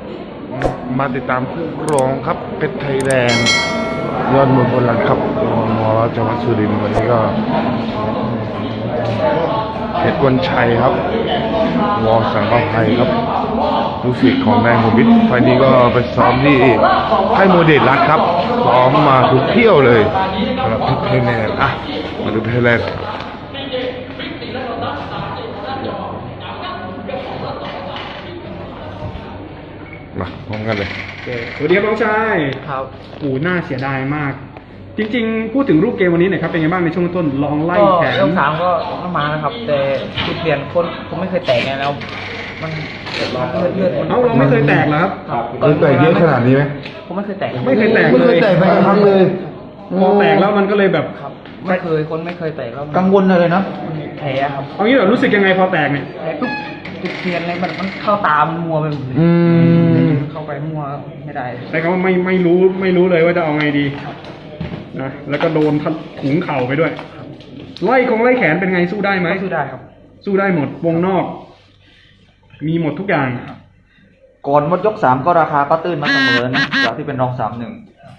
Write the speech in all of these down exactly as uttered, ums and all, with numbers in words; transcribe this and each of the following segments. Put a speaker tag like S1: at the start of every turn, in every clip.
S1: มาติดตามคู่รองครับเพชรไทยแลนด์ยอดมวยพลังครับมอจังหวัดสุรินทร์วันนี้ก็เพชรวันชัยครับวอสังกภัยครับลูกศิษย์ของนายโฮมิตไฟนี้ก็ไปซ้อมที่ค่ายโมเดลรักครับซ้อมมาทุกเที่ยวเลยสำหรับเพชรไทยแลนด์อ่ะมาดูเพชรไทยแลนด์มาพร้อมกันเลย
S2: สวัสดีครับน้องชายครับโอ้น่าเสียดายมากจริงๆพูดถึงรูปเกมวันนี้หน่อยครับเป็นไงบ้างในช่วงต้นลองไล่แขน
S3: ยกสามก็ต้องมานะครับแต่จุดเปลี่ยนคนผมไม่เคยแตกไงแล้วมันเลือดเลือด
S2: เอ้าเราไม่เคยแตกเหรอครับ
S1: เคยแตกเยอะขนาดนี้ไหม
S3: ผมไม่เคยแตก
S2: ไม่เคยแตก
S1: ไม่เคยแตกไปครั้งเลย
S2: พอแตกแล้วมันก็เลยแบบ
S3: ไม่เคยคนไม่เคยแตกแล้ว
S4: กังวลเลยนะ
S3: แผลครับ
S2: เอางี้แบบรู้สึกยังไงพอแตกเนี่ย
S3: แผลทุกจุดเปลี่ยนเลยมันมันเข้าตามมัวไปหมดเลยเข้าไปมัวไม่ได้
S2: แต่เขาไม่ไม่รู้ไม่รู้เลยว่าจะเอาไงดีนะแล้วก็โดนถุงเข่าไปด้วยไล่ของไล่แขนเป็นไงสู้ได้ไหม
S3: สู้ได้ครับ
S2: สู้ได้หมดวงนอกมีหมดทุกอย่าง
S4: ก่อนหมดยกสามก็ราคาก็ตื้นมาเสมอนะจากที่เป็นรองสามหนึ่ง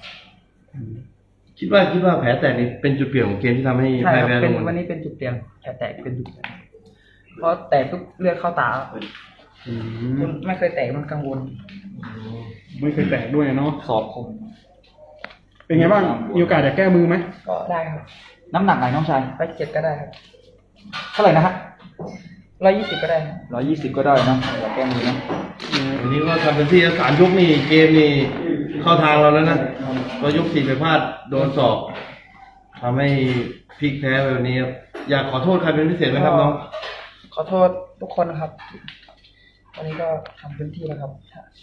S5: คิดว่าคิดว่าแผลแตกนี่เป็นจุดเปลี่ยนของเกมที่ทำให้
S3: ใช่ครับเป็นวันนี้เป็นจุดเปลี่ยนแผลแตกเป็นจุดเปลี่ยนเพราะแตกทุกเลือดเข้าตาไม่เคยแตกมันกังวล
S2: ไม่เคยแตกด้วยเนาะ
S4: สอบคม
S2: เป็นไงบ้างมีโอกาสจะแก้มือไหม
S3: ก็ได้ครับ
S4: น้ำหนักไหนน้องชาย
S3: ไปเจ็ดก็ได้ครับ
S4: เท่าไหร่นะฮะ
S3: ร้อยยี่สิบก็ได้
S4: ร้อยยี่สิบก็ได้นะอย่าแก้มือนะ
S5: อันนี้ก็ทำเป็นที่สามยกนี่เกมนี่เข้าทางเราแล้วนะก็ยกสี่ไปพลาดโดนสอบทำให้พลิกแพ้แบบนี้ครับอยากขอโทษใครเป็นพิเศษไหมครับน้อง
S3: ขอโทษทุกคนครับวันนี้ก็ทำเต็มที่แล้วครับ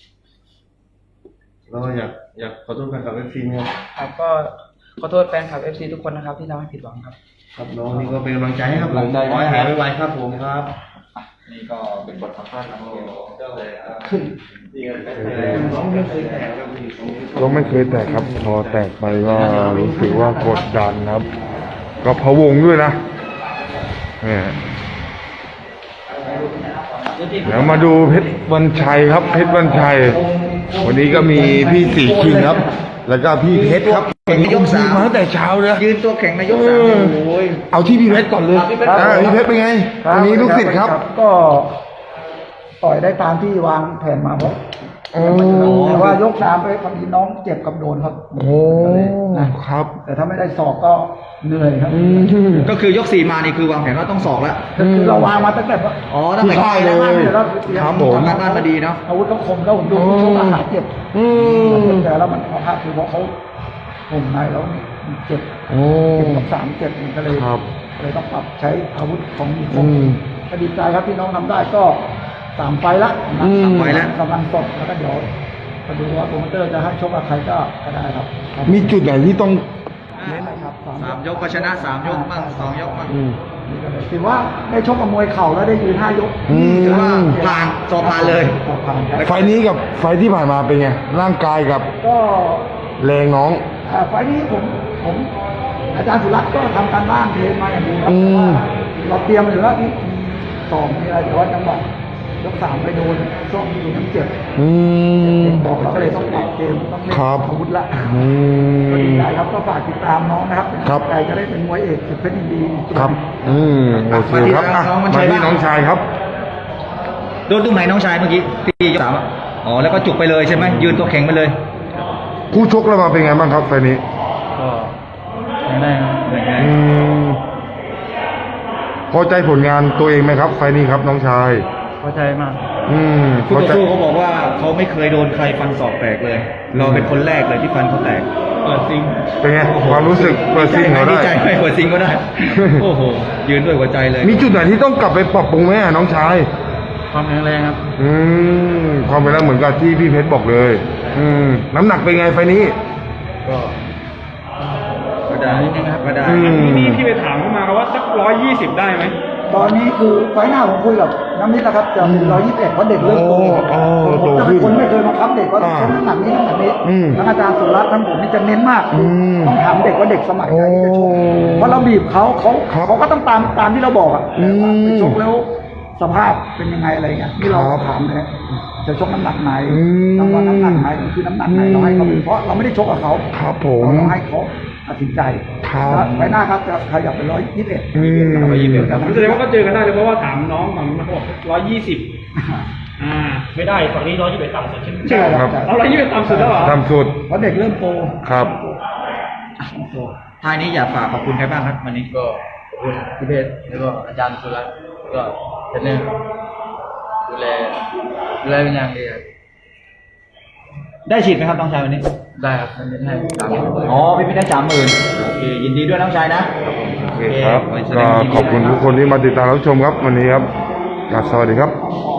S5: เราอยากอยากขอโทษแฟนคลับเอฟซีครับ
S3: ครับก็ขอโทษแฟนคลับเอฟซีทุกคนนะครับที่ทำให้ผิดหวังครับ
S5: ครับน้องนี่ก็เป็นกำลังใจให้ครับผมขอให้หายไวๆครับผมครับ
S4: นี่ก็เป็นบทสัมภาษณ์ของเราเลย
S1: ก็ไม่เคยแตกครับพอแตกไปก็รู้สึกว่ากดดันครับก็พะวงด้วยนะเนี่ยเดี๋ยวมาดูเพชรวันชัยครับเพชรวันชัยวันนี้ก็มีพี่สีคิงครับแล้วก็พี่เพชรครับ
S4: แข่งในยกสาม
S1: มาตั้งแต่เช้าเลย
S4: ยืนตัวแข่งในยกสามโอ้ย
S1: เอาที่พี่เพชรก่อนเลยพี่เพชรเป็นไงวันนี้ลูกศิษย์ครับ
S6: ก็ต่อยได้ตามที่วางแผนมาครับแต่ว่ายกสามไปพอดีน้องเจ็บกับโดนครับ
S1: โอ้ครับ
S6: แต่ถ้าไม่ได้สอบก็เหนื่อยครับ
S4: ก็คือยกสี่มานี่คือวางแผนว่าต้องสอบแล้ว
S6: คือเราวางมาตั้งแต่
S4: อ๋อตั้งแต่
S1: เลย
S4: ครับผมงานบ้านมาดีเนาะ
S6: อาวุธต้องคมแล้วผมดูช่วงอาหารเจ็บแต่แล้วมันพอพลาดคือเพราะเขาผมในแล้วเจ็บเจ็บกับสามเจ็บก็เลยเลยต้องปรับใช้อาวุธของมีคมก็ดีใจครับที่น้องทำได้ก็สามไฟละ
S4: สามไฟละ
S6: กำลังสดแล้วก็เดี๋ยวมาดูว่าโปรโมเตอร์จะให้ชกกับใครก็ได้ครับ
S1: มีจุดไหนที่ต้อง
S4: สามยกก็ชนะสามยกบ้างสองยกบ้าง
S6: ถือว่าได้ชกกับมวยเข่าแล้วได้ยืนห้ายก
S4: ถือว่าผ่านสอบผ่านเลย
S1: ไฟนี้กับไฟที่ผ่านมาเป็นไงร่างกายกับ
S6: ก็
S1: แรงน้อง
S6: ไฟนี้ผมผมอาจารย์สุรัตน์ก็ทำการบ้านเทรนมาอย่างดีครับเราเตรียมอยู่แล้วที่สองมีอะไรแต่ว่าจังหวะยกสามไปโดนช่วงที่น้ำเจ็บบอกเราก็เลยต้องปรับเกมต้องเล่นอาวุธละก็ดีใจครับก็ฝากติดตามน้องนะครับใจจะได้เป็นมวยเอกสุดเพชรยินดี
S1: ครับอืมโอเคครับมาที่น้องชายครับ
S4: โดนตรงไหนน้องชายเมื่อกี้ที่ยกสามอ๋อแล้วก็จุกไปเลยใช่ไหมยืนตัวแข็งไปเลย
S1: คู่ชกเรามาเป็นไงบ้างครับไฟนี้
S3: ก็ได้
S1: อืมพอใจผลงานตัวเองไหมครับไฟนี้ครับน้องชาย
S3: พอใจมาก
S1: อืม
S4: คู่ต่อสู้เขาบอกว่าเขาไม่เคยโดนใครฟันศอกแตกเลยเราเป็นคนแรกเลยที่ฟันเขาแตก
S3: เปิดซิง
S1: เป็นไงความรู้สึกเปิดซิงเขาได้
S4: ดีใจไหมเปิดซิงก็ได้โอ้โหยืนด้วยหัวใจเลย
S1: มีจุดไหนที่ต้องกลับไปปรับปรุงไหมน้องชาย
S3: ความแข็งแรงครับ
S1: อืมความเป็นแล้วเหมือนกับที่พี่เพชรบอกเลยอืมน้ำหนักเป็นไงไฟนี้
S4: ก็ก็ได้ก็ได้
S2: นี่พี่ไปถามเข้ามาว่าสักร้อยยี่สิบได้ไหม
S6: ตอนนี้คือไฟหน้าผมคุยกับน้ำมิตรนะครับจะเป็นร้อยยี่สิบเอ็ดเพราะเด็กเริ่มโตผมจะเป็นคนไม่เคยมาคับเด็กว่าต้องน้ำหนักนี้น้ำหนักนี้ทั้งอาจารย์สุรัตน์ทั้งผมนี่จะเน้นมากต้องถามเด็กว่าเด็กสมัยไหนที่จะชกเพราะเราบีบเขาเขาเขาก็ต้องตามตามที่เราบอกอ่ะไปชกแล้วสภาพเป็นยังไงอะไรเงี้ยที่เราถามเลยจะชกน้ำหนักไหน
S1: อืม
S6: รางวัลน้ำหนักไหนคือน้ำหนักไหนเราให้เขาไปเพราะเราไม่ได้ชกกับเขา
S1: ครับผม
S6: เราให้เขาตัดสินใจ
S1: ครับ
S6: แล้วไปหน้าครับจะขยับไปร้อยยี่สิบเอ็ด
S1: อืม
S2: แสดงว่าก็เจอกันได้เลยเพราะว่าถามน้องฝั่งนู้นเขาบอกร้อยยี่สิบอ่า
S7: ไม่ได้ฝั่งนี้ร้อยยี่สิบเอ็ดต่ำสุดใช่ไหม
S6: ใช่ครับ
S2: เอาร้อยยี่สิบต่ำสุดแล้วเหรอ
S1: ตามสุด
S6: เพราะเด็กเริ่มโต
S1: ครับ
S4: ท้ายนี้อยากฝากขอบคุณใครบ้างครับวันนี้
S3: ก็ขอบคุณพี่เพชรแล้วก็อาจารย์สุรัตน์ก็เทรนเนอร์ดูแลดูแลเป็นอย่างดีครับ
S4: ได้ฉีดไหมครับน้องชายวันนี้
S3: ได้ครับมันเป็นให้ตาม
S4: อ๋อพี่พี่ได้สามหมื่นโอเคยินดีด้วยน้องชายนะ
S1: โอเคครับ ก็ขอบคุณทุกคนที่มาติดตามรับชมครับวันนี้ครับสวัสดีครับ